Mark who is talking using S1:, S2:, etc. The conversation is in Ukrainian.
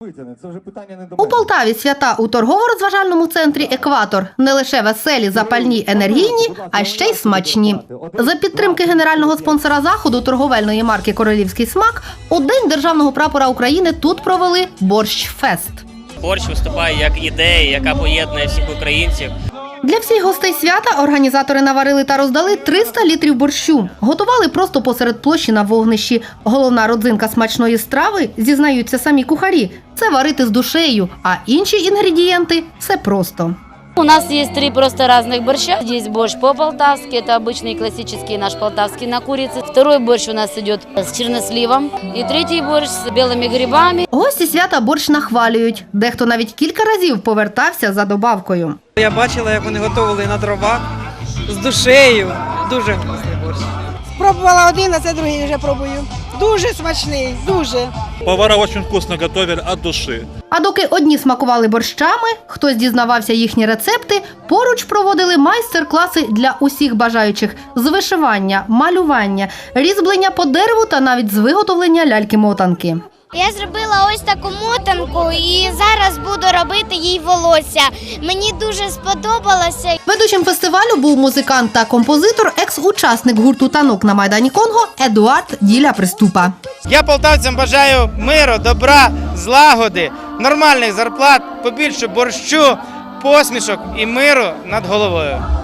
S1: У Полтаві свята у торгово-розважальному центрі «Екватор» не лише веселі, запальні, енергійні, а ще й смачні. За підтримки генерального спонсора заходу торговельної марки «Королівський смак» у День державного прапора України тут провели борщ-фест.
S2: Борщ виступає як ідея, яка поєднує всіх українців.
S1: Для всіх гостей свята організатори наварили та роздали 300 літрів борщу. Готували просто посеред площі на вогнищі. Головна родзинка смачної страви, зізнаються самі кухарі, це варити з душею, а інші інгредієнти – все просто.
S3: У нас есть 3 просто разных борща. Есть борщ по-полтавски, это обычный классический наш полтавский на курице. Второй борщ у нас идет с черносливом. И третий борщ с белыми грибами.
S1: Гості свята борщ нахвалюють. Дехто навіть кілька разів повертався за добавкою.
S4: Я бачила, як вони готували на дровах з душею. Дуже вкусний борщ.
S5: Пробувала один, а це другий вже пробую. Дуже смачний, дуже.
S6: Повара дуже вкусно готують від душі.
S1: А доки одні смакували борщами, хтось дізнавався їхні рецепти, поруч проводили майстер-класи для усіх бажаючих з вишивання, малювання, різьблення по дереву та навіть з виготовлення ляльки-мотанки.
S7: Я зробила ось таку мотанку і зараз буду робити їй волосся. Мені дуже сподобалося.
S1: Ведучим фестивалю був музикант та композитор, екс-учасник гурту «Танок» на Майдані Конго Едуард Діля Приступа.
S8: Я полтавцям бажаю миру, добра, злагоди, нормальних зарплат, побільше борщу, посмішок і миру над головою.